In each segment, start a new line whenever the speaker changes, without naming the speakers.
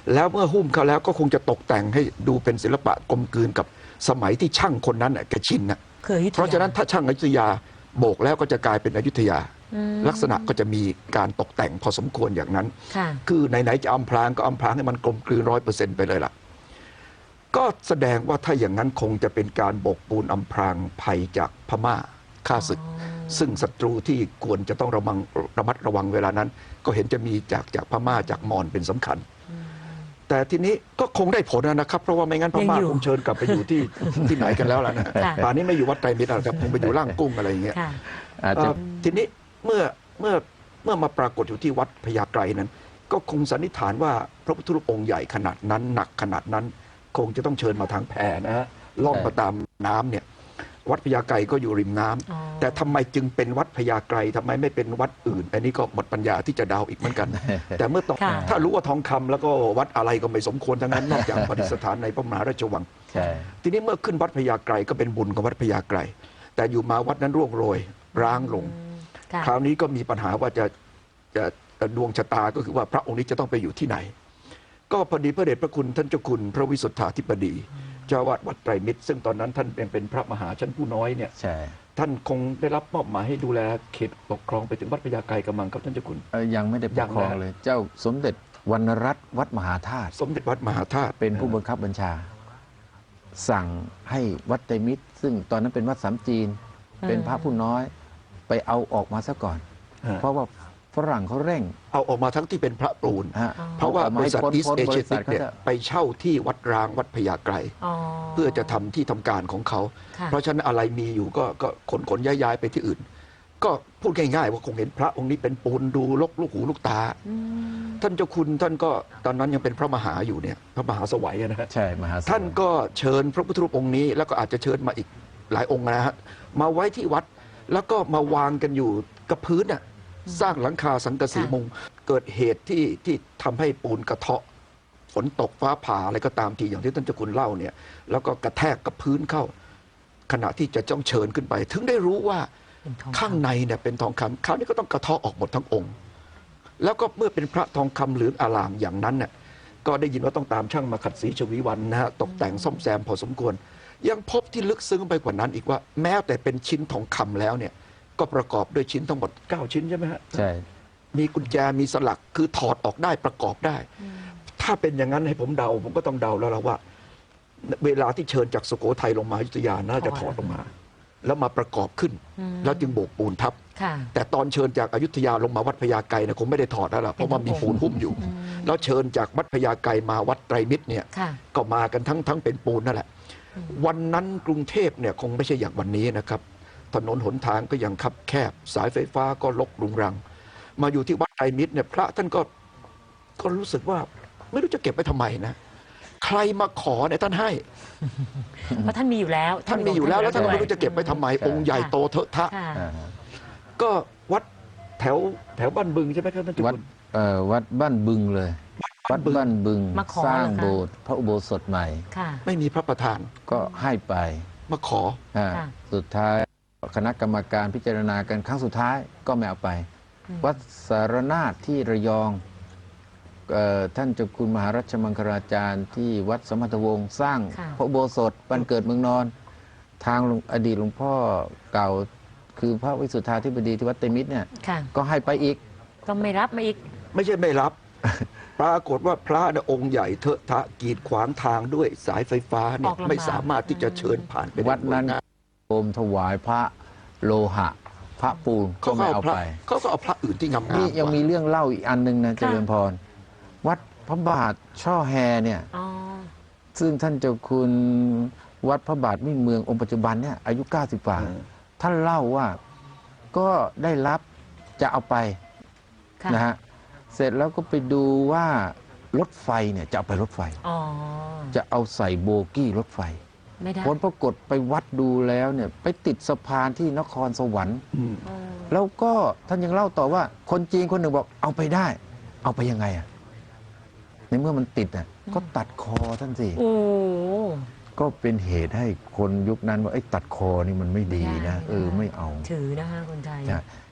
แล้วเมื่อหุ้มเขาแล้วก็คงจะตกแต่งให้ดูเป็นศิลปะกลมกลืนกับสมัยที่ช่างคนนั้นแกชินนะเพราะฉะนั้นถ้าช่างอยุธยาโบกแล้วก็จะกลายเป็นอยุธยาลักษณะก็จะมีการตกแต่งพอสมควรอย่างนั้นคือไหนๆจะอำพรางก็อำพรางให้มันกลมกลืน100%ไปเลยล่ะก็แสดงว่าถ้าอย่างนั้นคงจะเป็นการโบกปูนอำพรางภัยจากพม่าฆ่าศึกซึ่งศัตรูที่ควรจะต้องระมัดระวังเวลานั้นก็เห็นจะมีจากพม่าจากมอญเป็นสำคัญแต่ทีนี้ก็คงได้ผลนะครับเพราะว่าไม่งั้นพม่าคงเชิญกลับไปอยู่ที่ไหนกันแล้วล่ะนะป่านนี้ไม่อยู่วัดไตรมิตรแล้วคงไปอยู่ล่างกุ้งอะไรอย่างเงี้ยทีนี้เมื่อมาปรากฏอยู่ที่วัดพญาไกรนั้นก็คงสันนิษฐานว่าพระพุทธรูปองค์ใหญ่ขนาดนั้นหนักขนาดนั้นคงจะต้องเชิญมาทางแพนะฮะล่องมาตามน้ำเนี่ยวัดพญาไกรก็อยู่ริมน้ำแต่ทำไมจึงเป็นวัดพญาไกรทำไมไม่เป็นวัดอื่นอันนี้ก็หมดปัญญาที่จะเดาอีกเหมือนกัน แต่เมื่อต้องถ้ารู้ว่าทองคำแล้วก็วัดอะไรก็ไม่สมควรทั้งนั้นนอกจากประดิษฐานในพระมหาราชวังทีนี้เมื่อขึ้นวัดพญาไกรก็เป็นบุญของวัดพญาไกรแต่อยู่มาวัดนั้นร่วงโรยร้างลงคราวนี้ก็มีปัญหาว่าจะดวงชะตาก็คือว่าพระองค์นี้จะต้องไปอยู่ที่ไหนก็พอดีพระเดชพระคุณท่านเจ้าคุณพระวิสุทธาธิบดีเจ้าวาดวัดไตรมิตรซึ่งตอนนั้นท่านเป็นพระมหาชั้นผู้น้อยเนี่ยท่านคงได้รับมอบหมายให้ดูแลเขตปกครองไปถึงวัดพญาไกรกำลังครับท่านเจ้าคุณ
ยังไม่ได้ปกครองเลยเจ้าสมเด็จวรรณรัตน์วัดมหาธาตุ
สมเด็จวัดมหาธาตุ
เป็นผู้บังคับบัญชาสั่งให้วัดไตรมิตรซึ่งตอนนั้นเป็นวัดสามจีนเป็นพระผู้น้อยไปเอาออกมาซะก่อนเพราะว่าฝรั่งเขาเร่ง
เอาออกมาทั้งที่เป็นพระปูนเพราะว่าบริษัทอีสเอเชียติกเนี่ยไปเช่าที่วัดร้างวัดพญาไกรเพื่อจะทำที่ทำการของเขาเพราะฉะนั้นอะไรมีอยู่ก็ขนย้ายไปที่อื่นก็พูดง่ายๆว่าคงเห็นพระองค์นี้เป็นปูนดูลูกหูลูกตาท่านเจ้าคุณท่านก็ตอนนั้นยังเป็นพระมหาอยู่เนี่ยพระมหาสวัยนะฮะ
ใช่มหา
ท่านก็เชิญพระพุทธรูปองค์นี้แล้วก็อาจจะเชิญมาอีกหลายองค์นะฮะมาไว้ที่วัดแล้วก็มาวางกันอยู่กับพื้นน่ะสร้างหลังคาสังกะสีมุงเกิดเหตุที่ทำให้ปูนกระเทาะฝนตกฟ้าผ่าอะไรก็ตามทีอย่างที่ท่านเจ้าคุณเล่าเนี่ยแล้วก็กระแทกกับพื้นเข้าขณะที่จะจ้องเชิญขึ้นไปถึงได้รู้ว่าข้างในเนี่ยเป็นทองคำคราวนี้ก็ต้องกระเทาะออกหมดทั้งองค์แล้วก็เมื่อเป็นพระทองคำเหลืองอลามอย่างนั้นเนี่ยก็ได้ยินว่าต้องตามช่างมาขัดสีชวีวันนะฮะตกแต่งซ่อมแซมพอสมควรยังพบที่ลึกซึ้งไปกว่านั้นอีกว่าแม้แต่เป็นชิ้นทองคำแล้วเนี่ยก็ประกอบด้วยชิ้นทั้งหมด9ชิ้นใช่ไหมฮะ
ใช่
มีกุญแจมีสลักคือถอดออกได้ประกอบได้ถ้าเป็นอย่างนั้นให้ผมเดาผมก็ต้องเดาแล้วล่ะว่าเวลาที่เชิญจากสุโขทัยลงมาอยุธยาน่าจะถอดลงมาแล้วมาประกอบขึ้นแล้วจึงโบกปูนทับแต่ตอนเชิญจากอยุธยาลงมาวัดพญาไกรเนี่ยคงไม่ได้ถอดแล้วล่ะเพราะว่ามีปูนหุ้มอยู่แล้วเชิญจากวัดพญาไกรมาวัดไตรมิตรเนี่ยก็มากันทั้งเป็นปูนนั่นแหละวันนั้นกรุงเทพเนี่ยคงไม่ใช่อย่างวันนี้นะครับถนนหนทางก็ยังคับแคบสายไฟฟ้าก็รกรุงรังมาอยู่ที่วัดไตรมิตรเนี่ยพระท่านก็รู้สึกว่าไม่รู้จะเก็บไว้ทำไมนะใครมาขอเนี่ยท่านให้
เพราะท่านมีอยู่แล้ว
ท่านมีอยู่แล้วแล้วท่านไม่รู้จะเก็บไว้ทำไมองค์ใหญ่โตเถอะทะก็วัดแถวบ้านบึงใช่ไหมครับท่านจุล
วัดบ้านบึงเลยวัดบ้านบึงสร้างโบสถ์พระอุโบสถใหม่
ไม่มีพระประธาน
ก็ให้ไป
มาขอ
สุดท้ายคณะกรรมการพิจารณากันครั้งสุดท้ายก็ไม่เอาไปวัดสารนาถที่ระยองท่านเจ้าคุณมหารัชมังคลาจารย์ที่วัดสมพันธวงศ์สร้างพระอุโบสถวันเกิดเมืองนอนทางอดีตหลวงพ่อเก่าคือพระวิสุทธาธิบดีที่วัดไตรมิตรเนี่ยก็ให้ไปอีก
ก็ไม่รับมาอีก
ไม่ใช่ไม่รับ ปรากฏว่าพระองค์ใหญ่เถอะทะกีดขวางทางด้วยสายไฟฟ้าเนี่ยไม่สามารถที่จะเชิญผ่านไป
วัดนั้นโอมถวายพระโลหะพระปูนก็ไม่เอาไป
เขาก็เอาพระอื่นที่งามๆ
นี่ยังมีเรื่องเล่าอีกอันนึงนะเจริญพรวัดพระบาทช่อแฮเนี่ยซึ่งท่านเจ้าคุณวัดพระบาทมิ่งเมืององค์ปัจจุบันเนี่ยอายุ90 กว่าท่านเล่าว่าก็ได้รับจะเอาไปนะฮะเสร็จแล้วก็ไปดูว่ารถไฟเนี่ยจะเอาไปรถไฟจะเอาใส่โบกี้รถไฟผลปรากฏไปวัดดูแล้วเนี่ยไปติดสะพานที่นครสวรรค์แล้วก็ท่านยังเล่าต่อว่าคนจีนคนหนึ่งบอกเอาไปได้เอาไปยังไงอ่ะในเมื่อมันติดอ่ะก็ตัดคอท่านสิก็เป็นเหตุให้คนยุคนั้นว่าไอ้ตัดคอนี่มันไม่ดีนะไม่เอา
ถือนะคะคนไทย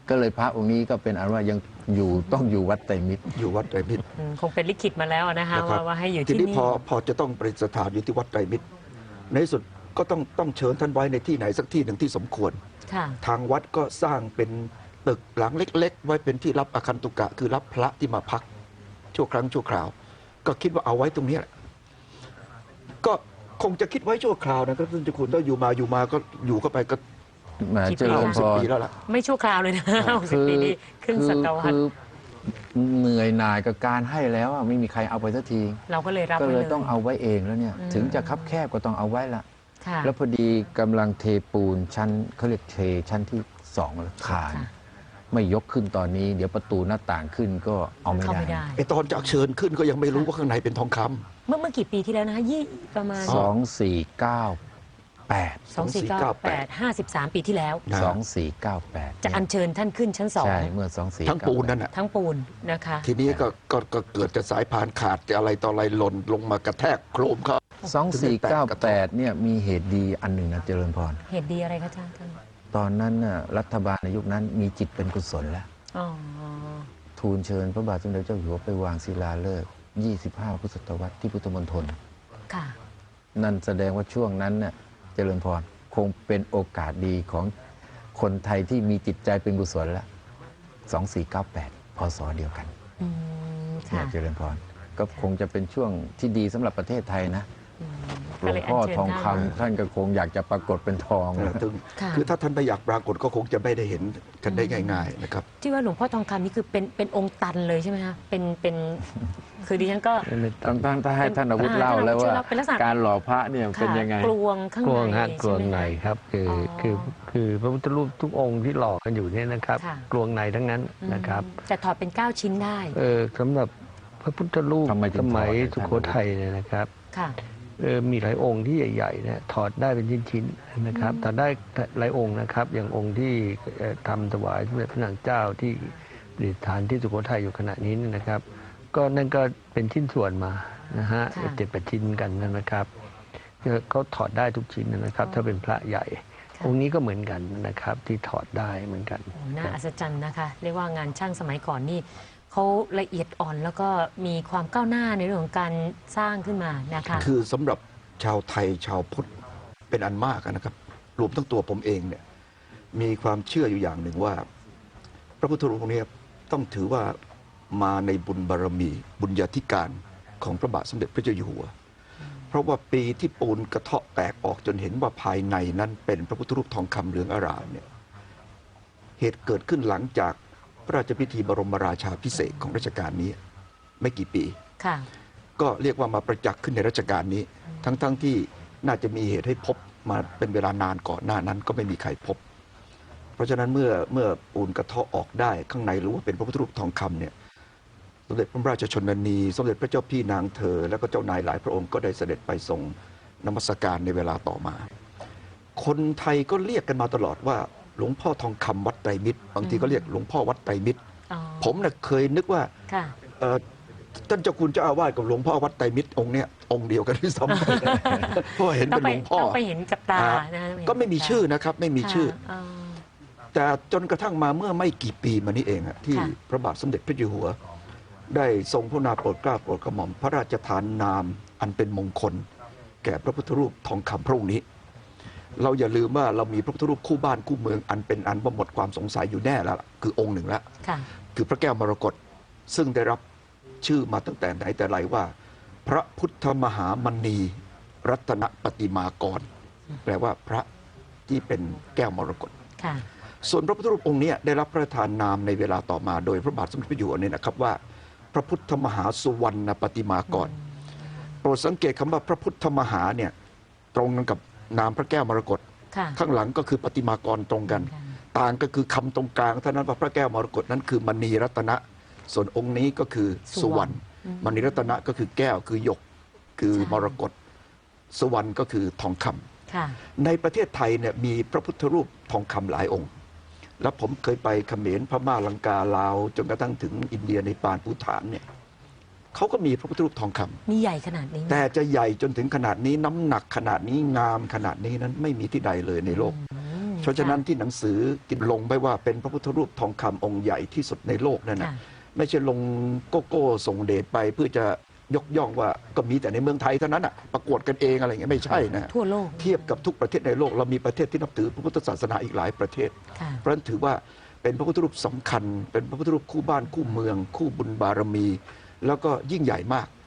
ก็เลยพระองค์นี้ก็เป็นอันว่ายังอยู่ต้องอยู่วัดไตรมิตร
อยู่วัดไตรมิตร
คงเป็นลิขิตมาแล้วนะคะ
นะครับ
ว่าให้อยู่
ที
ที่
นี้
นี่
พอจะต้องประดิษฐานอยู่ที่วัดไตรมิตร ในที่สุดก็ต้องเชิญท่านไว้ในที่ไหนสักที่หนึ่งที่สมควร
ค่ะ
ทางวัดก็สร้างเป็นตึกหลังเล็ก ๆ ไว้เป็นที่รับอาคันตุกะ คือรับพระที่มาพักชั่วครั้งชั่วคราว ก็คิดว่าเอาไว้ตรงนี้แหละก็คงจะคิดไว้ชั่วคราวนะครับท่านเจ้าคุณถ้าอยู่มาก็อยู่เข้าไปก็
แหมเจริญพ
10
ร
ปีแล้วล่ะ
ไม่ชั่วคราวเลยนะ60 ปีนี่ครึ่งศตวรรษ
คือเหนื่อยหน่ายกับการให้แล้วอะไม่มีใครเอาไปสักที
เราก็เลยรับ
ก็
ไว้
เล
เลย ย
ต้องเอาไว้เองแล้วเนี่ย ถึงจะคับแคบก็ต้องเอาไว้ละ
ค่ะ
แล้วพอดีกำลังเทปูนชั้นเขาเรียกเทชั้นที่2แล้วคาน
ค่ะ
ไม่ยกขึ้นตอนนี้ เดี๋ยวประตูหน้าต่างขึ้นก็เอาไม่
เข้า
ได้
ไม่ได้
ไอตอนจากเชิญขึ้นก็ยังไม่รู้ว่าข้างในเป็นทองคำ
เมื่อกี่ปีที่แล้วนะคะประมาณ
2498
53 ปีที่แล้ว
นะ
2498
จะอัญเชิญท่านขึ้นชั้นสอง
ใช่เมื่อ2498
ทั้งปูนนั่นน่ะ
ทั้งปูนนะคะ
ทีนี้ก็เกิดจะสายพานขาดจะอะไรต่ออะไรหล่นลงมากระแทกโครมเขา
2498เนี่ยมีเหตุดีอันหนึ่งนะเจริญพร
เหตุดีอะไรคะอาจารย์ท่าน
ตอนนั้นน่ะรัฐบาลในยุคนั้นมีจิตเป็นกุศลแล้ว
อ๋อ
ทูลเชิญพระบาทสมเด็จเจ้าอยู่หัวไปวางศิลาฤกษ์25 พุทธศตวรรษที่พุทธมณฑล
ค่ะ
นั่นแสดงว่าช่วงนั้นน่ะเจริญพรคงเป็นโอกาสดีของคนไทยที่มีจิตใจเป็นกุศลแล้ว 2498 พศเดียวกัน
อืม
เนี่
ค่ะ
ยเจริญพรก็คงจะเป็นช่วงที่ดีสำหรับประเทศไทยนะหล
ก็
ว
เล
ง
ย
พ่อ
ญเชิญ
ทองคำ
ท่าน
ท่านก็คงอยากจะปรากฏเป็นทอง
ถึง
ค่ะ
คือถ้าท่านไม่อยากปรากฏก็คงจะไม่ได้เห็นกันได้ง่าย ๆ นะครับ
ที่ว่าหลวงพ่อทองคำนี่คือเป็นองค์ตันเลยใช่ไหมคะเป็นคือดิฉันก็
ต้องให้ท่านอาวุธเล่าแล้วว่า
เป็นลักษณะ
การหล่อพระเนี่ยเป็นยังไง
ค่ะกลวงข้าง
กลวง
ใน
ฮะกลวง
ใช่ไหม
ใน
คะ
ครับคืออ
อ
คือพระพุทธรูปทุกองค์ที่หล่อกันอยู่เนี่ยนะครับ
ค่ะ
กลวงในทั้งนั้นนะครับ
แต่ถอดเป็น 9 ชิ้นได้
สำหรับพระพุทธรูป
ทำไมถึง
สมัย
ถอด
สุโขทัยเนี่ยนะครับ
ค่ะ
มีหลายองค์ที่ใหญ่ๆเนี่ยถอดได้เป็นชิ้นๆนะครับถอดได้หลายองค์นะครับ อย่างองค์ที่ทำถวายสมเด็จพระนางเจ้าที่ประดิษฐานที่สุโขทัยอยู่ขณะนี้เนี่ยนะครับ ก็นั่นก็เป็นชิ้นส่วนมานะฮะ
ค่ะ
7-8 ชิ้นกันนะครับเขาถอดได้ทุกชิ้นนะครับ ถ้าเป็นพระใหญ่
ค่ะ
องค์นี้ก็เหมือนกันนะครับที่ถอดได้เหมือนกัน
โอ้น่าอัศจรรย์นะคะ เรียกว่างานช่างสมัยก่อนนี่เขาละเอียดอ่อนแล้วก็มีความก้าวหน้าในเรื่องของการสร้างขึ้นมานะคะ
คือสำหรับชาวไทยชาวพุทธเป็นอันมากนะครับ รวมทั้งตัวผมเองเนี่ยมีความเชื่ออยู่อย่างหนึ่งว่า พระพุทธรูปองค์นี้ต้องถือว่ามาในบุญบารมี บุญญาธิการของพระบาทสมเด็จพระเจ้าอยู่หัว เพราะว่าปีที่ปูนกระเทาะแตกออกจนเห็นว่าภายในนั้นเป็นพระพุทธรูปทองคำเหลืองอร่ามเนี่ยเหตุเกิดขึ้นหลังจากพระราชพิธีบรมราชาภิเษกของรัชกาลนี้ไม่กี่ปี
ค่ะ
ก็เรียกว่ามาประจักษ์ขึ้นในรัชกาลนี้ ทั้งที่น่าจะมีเหตุให้พบมาเป็นเวลานานก่อนหน้านั้นก็ไม่มีใครพบ เพราะฉะนั้นเมื่อปูนกระเทาะออกได้ข้างในรู้ว่าเป็นพระพุทธรูปทองคำเนี่ยสมเด็จพระราชชนนีสมเด็จพระเจ้าพี่นางเธอ แล้วก็เจ้านายหลายพระองค์ก็ได้เสด็จไปทรงนมัสการในเวลาต่อมา คนไทยก็เรียกกันมาตลอดว่าหลวงพ่อทองคำวัดไตรมิตรบางทีก็เรียกหลวงพ่อวัดไตรมิตร
อ๋อ
ผมน่ะเคยนึกว่า
ค่ะ
ท่านเจ้าคุณเจ้าอาวาสกับหลวงพ่อวัดไตรมิตรองค์เนี้ยองค์เดียวกันที่ซ้ำไป เพราะเห็นเป็นหลวงพ่อ
ต้องไปเห็นกับตา
อ่า
นะคะ
ก็ไม่มีชื่อนะครับ ไม่มีชื่อ
ค่ะ
แต่จนกระทั่งมาเมื่อไม่กี่ปีมานี้เองอะที่
ค่ะ
พระบาทสมเด็จพระเจ้าอยู่หัว ได้ทรงพระนาโปรดเกล้าโปรดกระหม่อมพระราชทานนามอันเป็นมงคล แก่พระพุทธรูปทองคำพระองค์นี้ เราอย่าลืมว่าเรามีพระพุทธรูปคู่บ้านคู่เมืองอันเป็นอันว่าหมดความสงสัยอยู่แน่แล้วล่ะคือองค์หนึ่งแล้ว
ค่ะ
คือพระแก้วมรกตซึ่งได้รับชื่อมาตั้งแต่ไหนแต่ไรว่า พระพุทธมหามณีรัตนปฏิมากร แปลว่าพระที่เป็นแก้วมรกต
ค่ะ
ส่วนพระพุทธรูปองค์นี้ได้รับพระราชทานนามในเวลาต่อมาโดยพระบาทสมเด็จพระอยู่หัวเนี่ยนะครับว่า พระพุทธมหาสุวรรณปฏิมากร โปรดสังเกตคำว่าพระพุทธมหาเนี่ยตรงกันกับนามพระแก้วมรกต
ค่ะ
ข้างหลังก็คือปฏิมากรตรงกัน ต่างก็คือคำตรงกลางเท่านั้นว่าพระแก้วมรกตนั้นคือมณีรัตนะ ส่วนองค์นี้ก็คือสุวรรณมณีรัตนะก็คือแก้วคือหยกคือมรกตสุวรรณก็คือทองคำ
ค่ะ
ในประเทศไทยเนี่ยมีพระพุทธรูปทองคำหลายองค์ แล้วผมเคยไปเขมรพม่าลังกาลาวจนกระทั่งถึงอินเดียในปานภูฏานเนี่ยเขาก็มีพระพุทธรูปทองคำ
มีใหญ่ขนาดนี้ไหม
แต่จะใหญ่จนถึงขนาดนี้น้ำหนักขนาดนี้งามขนาดนี้นั้นไม่มีที่ใดเลยในโลกเพราะฉะนั้นที่หนังสือกินลงไปว่าเป็นพระพุทธรูปทองคำองค์ใหญ่ที่สุดในโลกนั่นนะไม่ใช่ลงโกโก้ส่งเดชไปเพื่อจะยกย่องว่าก็มีแต่ในเมืองไทยเท่านั้นอ่ะประกวดกันเองอะไรเงี้ยไม่ใช่นะ
ทั่วโลก
เทียบกับทุกประเทศในโลกเรามีประเทศที่นับถือพระพุทธศาสนาอีกหลายประเทศเพราะฉะนั้นถือว่าเป็นพระพุทธรูปสำคัญเป็นพระพุทธรูปคู่บ้านคู่เมืองคู่บุญบารมีแล้วก็ยิ่งใหญ่มาก